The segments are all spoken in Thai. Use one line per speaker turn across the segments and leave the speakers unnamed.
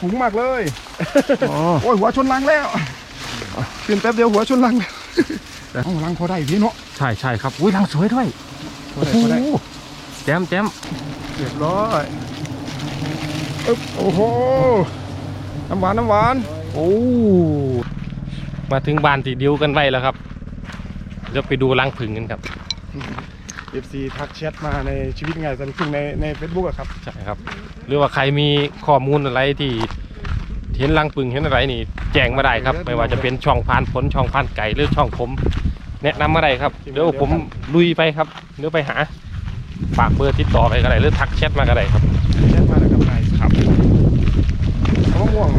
ฝูงมากเลยโอ้ยหัวชนรังแล้วขึ้นแป๊บเดียวหัวชนรังเอารังพอได้พี่เนาะ
ใช่ครับอุ้ยรังสวยด้วยโอ้โหแจม
เรียบร้อยโอ้โหน้ำหวาน
โอ้มาถึงบ้านที่ดิวกันไว้แล้วครับเดี๋ยวไปดูรังผึ่งกันครับ
FC ทักแชทมาในชีวิตไงสันพึ่งใน Facebook อะครับ
ใช่ครับหรือว่าใครมีข้อมูลอะไรที่เห็นรังผึ่งเห็นอะไรนี่แจ้งมาได้ครับไม่ว่าจะเป็นช่องพานผลช่องพานไก่หรือช่องผมแนะนำมาได้ครับเดี๋ยวผมลุยไปครับเดี๋ยวไปหาฝากเบอร์ติดต่อไปก็ได้หรือทักแชทมาก็ได้ครับ
แชทมาเลยครับเขาม่วง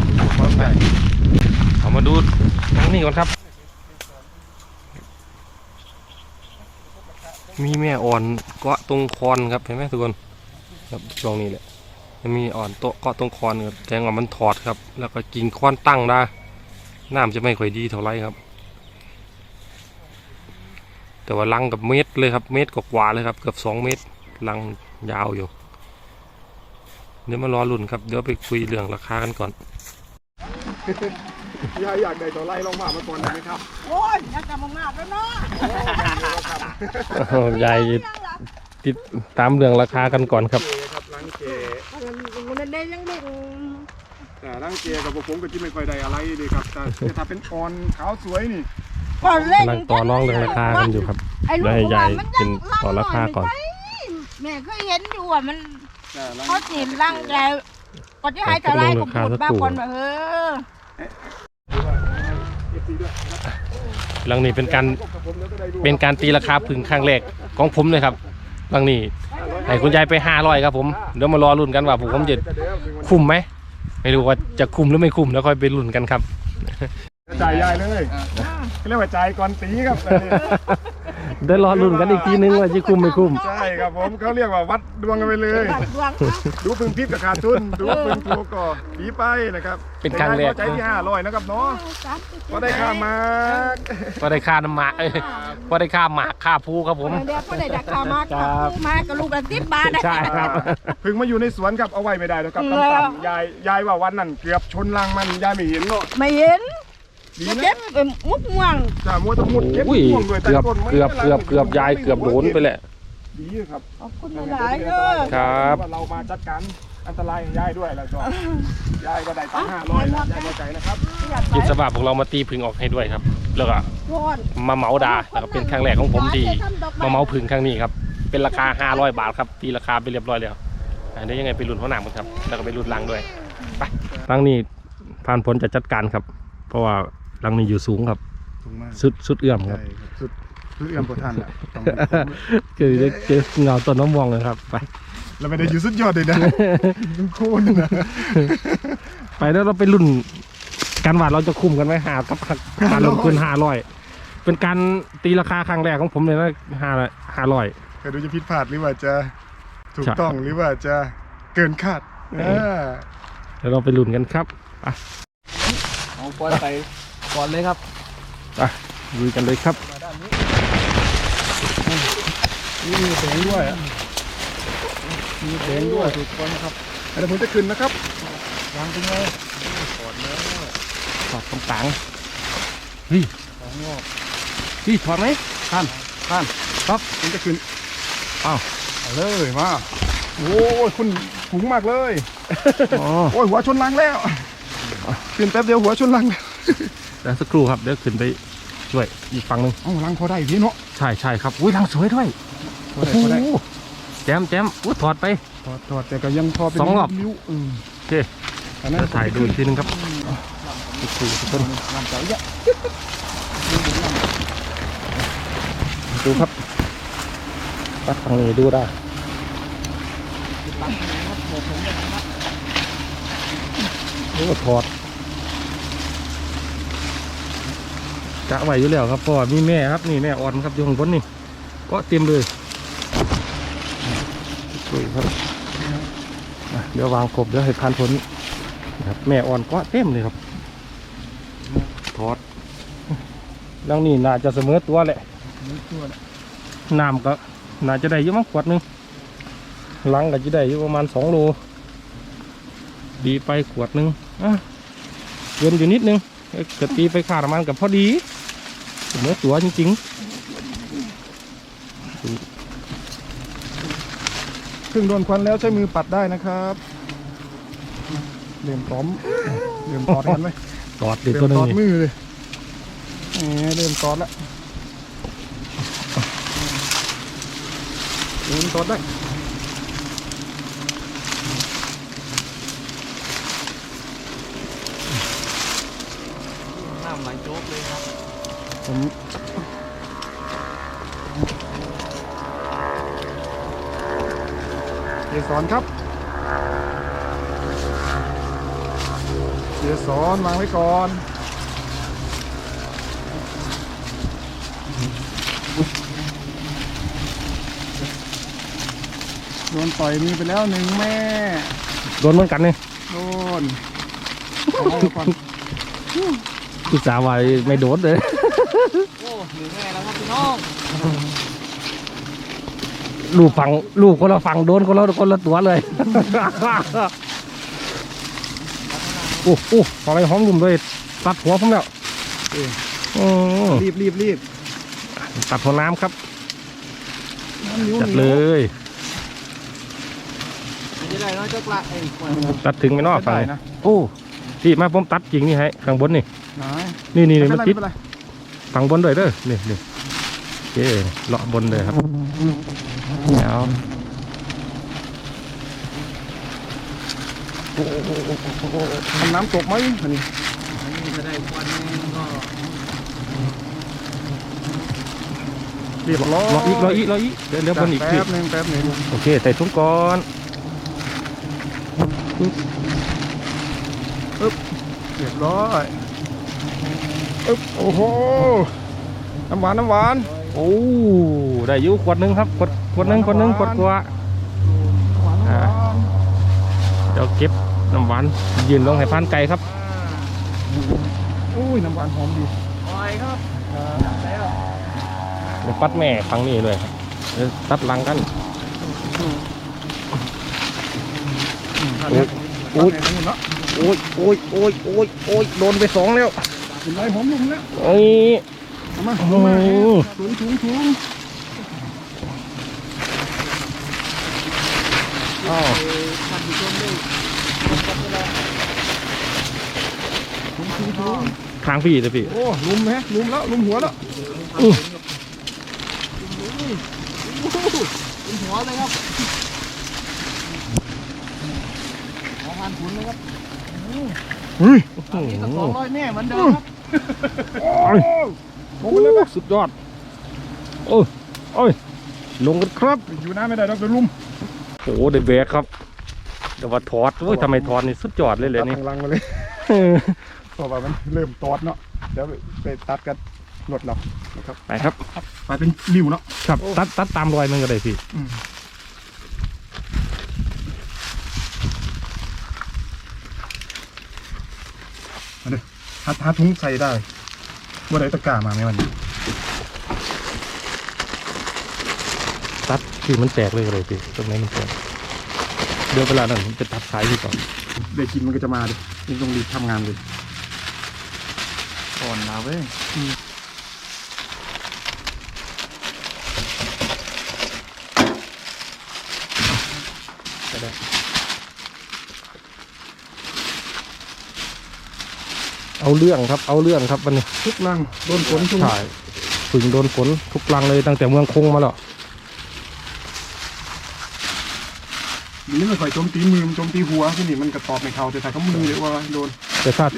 เอามาดูทั้งนี้ก่อนครับมีแม่อ่อนเกาะตรงคอนครับเห็นไหมทุกคนครับช่วงนี้แหละมันมีอ่อนโตเกาะตรงคอนครับแสดงว่ามันถอดครับแล้วก็กิ่งคอนตั้งได้น้ำจะไม่ค่อยดีเท่าไรครับแต่ว่ารังกับเม็ดเลยครับเม็ดกว่าเลยครับเกือบ2 เมตรรังยาวอยู่เดี๋ยวมารอลุ้นครับเดี๋ยวไปคุยเรื่องราคากันก่อน
อยากได้ตัวไล่ลงมาก่อนได้ไหมครับ
โอ้ยอยากจะมากๆแล้วเนาะ
ยายติดตามเรื่องราคากันก่อนครับ
รังเก
มันได้ยังเด็ก
แต่รังเกกับผมก็ที่ไม่ค่อยได้อะไรดีครับแต่ถ้าเป็นอ่อนขาวสวยนี่
กำลังต่อรองเรื่องราคากันอยู่ครับได้ยายเป็นต่อราคาก่อน
แม่เคยเห็นอยู่อ่ะมันเขาจีนร่างแกก่อนที่หายจะไล่ผมหมดบ้าคนแบบ
รังนี้เป็นการตีราคาผึ่งครั้งแรกของผมเลยครับรังนี้ให้คุณยายไป500ครับผมเดี๋ยวมารอลุ้นกันว่าผมจะคุ้มไหมไม่รู้ว่าจะคุ้มหรือไม่คุ้มแล้วค่อยไปลุ้นกันครับ
จ่ายยายเลยเรียกว่าจ่ายก่อนตีครับ
เดี๋ยวรอลุ้นกันอีกทีนึงว่าจะคุ้มไม่คุ้ม
ใช่ครับผมเขาเรียกว่าวัดดวงกันไปเลยดูพึ่งพิษกับขาดทุนดูพึ่งถูกก่อปีไปนะครับ
เป็นครั้งแรก
ใจที่500นะครับเนาะก็ได้ค่ามา
ก็ได้ค่าน้ำหมากก็ได้ค่าหมากค่าภูครับผม
เดี๋ยวก็ได้ค่ามากับลูกละ10 บาท
ใช่ครับ
พึ่งมาอยู่ในสวนครับเอาไว้ไม่ได้แล้วครับต่ำยายว่าวันนั้นเกือบชนรังมันยายไม่เห็นเนาะ
ไม่เห็นเก็บมุกม่วง
จ้ามัวตะมุดเก็บม่วงเลย
เกือบยายเกือบโดนไปแหละ
ดีครับ
ขอบคุณหลายเลย
ครับ
เรามาจัดการอันตรายของยายด้วยแล้วก็ยายก็ได้ตั้ง500ยายเข้าใจนะครับ
จิตสบายพวกเรามาตีผึ่งออกให้ด้วยครับแล้วก็มาเหมาดาแล้วก็เป็นครั้งแรกของผมที่มาเหมาผึ่งครั้งนี้ครับเป็นราคา500 บาทครับตีราคาไปเรียบร้อยแล้วเดี๋ยวยังไงไปลุ้นหัวหน้ามันครับแล้วก็ไปลุ้นรังด้วยไปรังนี้ผ่านผลจะจัดการครับเพราะว่ารังนี้อยู่สูงครับสุดเอื้อมครับ
สุดเอื้อมพอท่านแหละ
คือจะเงาต้นน้ำมองเลยครับไป
เราไม่ได้อยู่สุดยอดเลยนะโค่นนะ
ไปแล้วเราไปรุ่นการวาดเราจะคุมกันไว้หากับการลงทุน500เป็นการตีราคาครั้งแรกของผมเลยนะ500
ก็ดูจะผิดพลาดหรือว่าจะถูกต้องหรือว่าจะเกินคาด
เดี๋ยวเราไปรุ่นกันครับ
เอาก้อนไปก่อนเลยครับ
ลุยกันเลยครับ
นี่มีแสงด้วยมีแสงด้วยถูกต้องครับเดี๋ยวผมจะขึ้นนะครับวางเป็นไงถอดแล้ว
ถอดต่างๆเฮ้ย
ของงอก
ถอดไหมท่าน
ครับผมจะขึ้นเอาเลยมาโอ้ยคุณสูงมากเลยโอ้ยหัวชนรังแล้วขึ้นแป๊บเดียวหัวชนรัง
แล้วสักครู่ครับเดี๋ยวขึ้นไปช่วยอีกฝั่งหนึ่ง
รังพอได้พี่เนาะ
ใช่ครับอุ้ยรังสวยด้วยโอ้โหแจมอุ้ยถอดไป
ถอดแต่ก็ยังพอเป็น
2 รอบ
นิ้ว
โอเคจะถ่ายดูอีกทีนึงครับดูครับตัดฝั่งนี้ดูได้โอ้ถอดกะไหวอยู่แล้วครับพ่อมีแม่ครับนี่แม่อ่อนครับอยู่ข้างบนนี่ก็เต็มเลยครับเดี๋ยววางครบเดี๋ยวให้พันผลครับแม่อ่อนก็เต็มเลยครับถอดดังนี้น่าจะเสมอตัวแหละน้ำก็น่าจะได้เยอะมากขวดนึงลังก็จะได้อยู่ประมาณ2 โลตีไปขวดนึงเกินอยู่นิดนึงก็ตีไปค่าน้ำมันกับพอดีเนื้อตัวจริง
ครึ่งโดนควันแล้วใช้มือปัดได้นะครับเริ่มพร้อมเริ่มตอดกันไหม
ๆตอดเด็ด
เริ่
ตัว
ม
นึ
ต
ง
อด
นี่
มือเลยเริ่มตอดแล้วเริ่มตอดได้
น้ำไหลโจ๊กเลยครับ
ผมเกสรครับเกสรวางไว้ก่อนโดนต่อยมือไปแล้วหนึ่งแม่
โดนเหมือนกันนี่
โดนเอาไว้ก่อน
คือสาวไว้ไม่โดนเลย
โอ้หนึ่งแม่แล้วครับพี่น้อง
ลูกคนละฝั่งโดนคนละตัวเลย โอ้โหอะไรหอมลุ่มเลยตัดหัวผมแล้ว
รีบ
ตัดหัวน้ำครับ
น้ำนิ้ว
จัดเลย
ไม่ได้น้อยจักละไอ้ควาย
ตัดถึงไม่นอกฝั่ง
ได้
นี้
นะ
โอ้พี่มาผมตัดจริงนี่ให้ข้างบนนี่
ไหน
นี่
ไม่
มัน
เป็นไร
ติด
ไม่เป็นไร
ฝั่งบนด้วยเด้อนี่โอเคเลาะบนเลยครับเอา
ทำน้ำตกไหมอันนี้
อันนี้จะได้ควันแม่ก็
เรียบร้อย
รออีกเดี๋ยวบนอีก
แป๊บหนึง
โอเคใส่ถุงก่อน
เรียบร้อยโอ้โหน้ำหวาน
โอ้ได้อยู่ขวดหนึงครับขวดหนึงขวดกว่า อ่า เดี๋ยวเก็บน้ำหวานยืนลงให้พานไก่ครับ
อุ้ยน้ำหวานหอมดี
ปล่อยครับแล้ว
เดี๋ยวปัดแม่ฟังนี่เลยครับเดี๋ยวตัดหลังกัน
โอ้ยเนาะ
โอ้ยโดนไป2แล้ว
เป็นไรหอมลุ่มแล้ว
โอ้ย
เอามา
โอ้
ลงมา
โห
ถุง
อ้าว
ท่านผู้ชมด้วย
ถุง
ทางพี่เลยพี่
โอ้ลุ่มแล้วลุ่มหัวแล้ว
เป็นหัวเลยครับขอผ่านขุนเลยครับ
เฮ้ย
นี่ก็200แม่เหมือนเดิมครับ
ลงไปเลยนะ
สุดยอดโอ้ยลงกันครับ
อยู่น้าไม่ได้ดอกเดี๋ยวลุ่ม
โอ้ได้แบกครับเดี๋ยวว่าถอดโอ้ยทำไมถอดนี่สุดยอดเลยเลยนี่
ตัดทางลังมาเลยเพราะว่ามันเริ่มตอดเนาะเดี๋ยวไปตัดกันรถเรานะครับ
ไปครับ
ไปเป็นริ้วเนาะ
ครับตัดตามรอยมันก็ได้พี่
มาเลยหาถุงใส่ได้ว่าได้ตะกร้ามาไหมวันนี้
ตัดที่มันแตกเลยก็ได้พี่ตรงนี้มันแตกเดี๋ยวเวลานั้นผมจะตัดสายพี่ก่อน
ได้กินมันก็จะมาดินี่ต้องรีบทำงานเลย
ก่อนนะเว้ย
เอาเรื่องครับวันนี้
ทุกลังโดนฝนชุ่ม
ใช่ฝึงโดนฝนทุกลังเลยตั้งแต่เมืองคงมาแล้ว
นี่ไม่ค่อยโจมตีมือมันโจมตีหัวที่นี่มันกระตอบในเขาแต่ถ้าเขามือเลยว่าโดน
แต่ถ้า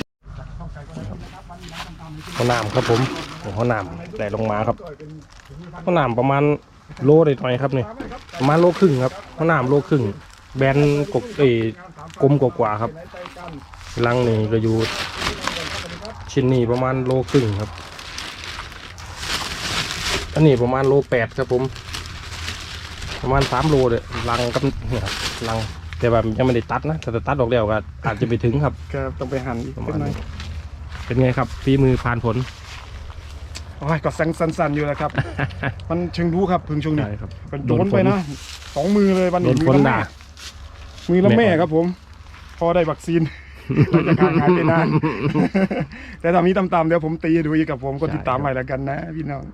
ข้าวหนามครับผมข้าวหนามไหลลงมาครับข้าวหนามประมาณโลหน่อยๆครับนี่ประมาณโลครึ่งครับข้าวหนามโลครึ่งแบนกบกลมกว่าๆครับลังนี่ก็อยู่ชิ้นนี้ประมาณโลครึ่งครับอันนี้ประมาณโล8ครับผมประมาณ3โลเลยลังกับเนี่ยครับลังแต่แบบยังไม่ได้ตัดนะถ้าจะตัดออกแล้วก็อาจจะไปถึงครับ
ก็ต้องไปหั่นอีก
ประ
เป็
มาณ
นไง
นี้เป็นไงครับฝีมือผ่านผล
โอ้ยก็สั่นๆอยู่แล้วครับ มันเชิงรู้ครับพึ่งช่วงนี้
ใช่ครับ
เป็นโดนไปนะ2 มือเลยวัน
โด
นี้
น
มื
ฝน
ละ
ด่า
มือละแม่ครับผม
พ
พอได้วัคซีน หลังจากห่างหายไปนาน แต่ทำนี้ตามๆเดี๋ยวผมตีให้ดูอีกกับผมก็ติดตามใหม่แล้วกันนะพี่น้อง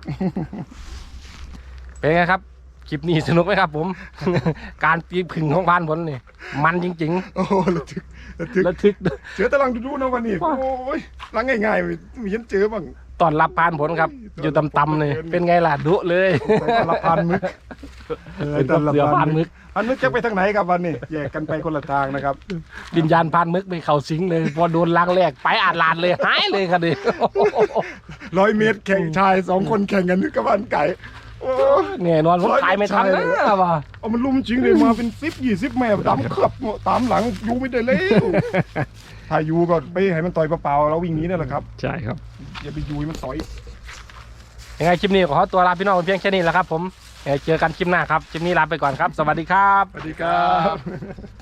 เป็นไงครับคลิปนี้สนุกไหมครับผม การตีผึ่งของพานผลนี่มันจริง
โอ้ระทึกระทึก
ๆระทึก
เจอตารางดูๆนะวันนี้โอ้ยลังง่ายๆมีฉันเจอบ้าง
ตอนรับพานผลครับ อยู่ต่ำๆนี่เป็นไงล่ะดุเลย
ตอนละพันมึก
เป็นกับเสือพานมึก
พันมึกจะไปทางไหนครับวันนี้แยกกันไปคนละทางนะครับ
วิญญาณพานมึกไปเข้าสิงเลยพอโดนล้างแรกไปอาดลานเลยหายเลยครับดิ
100 เมตรแข่งชาย2 คนแข่งกันนึกกับบ้านไก่โอ้
เนี่ยนอนผมขายไม่ทันนะว่ะ
เอามันลุมจริงเลยมาเป็น10-20 แม่ตามขับตามหลังยูไม่ได้เลยถ้ายูก็ไปให้มันต่อยเปล่าๆแล้ววิ่งหนี้นั่นแหละครับ
ใช่ครับ
อย่าไปยูให้มันต่อย
ยังไงคลิปนี้ขอตัวลาพี่น้องเพียงแค่นี้แหละครับผมเจอกันคลิปหน้าครับคลิปนี้ลาไปก่อนครับ สวัสดีครับ
สวัสดีครับ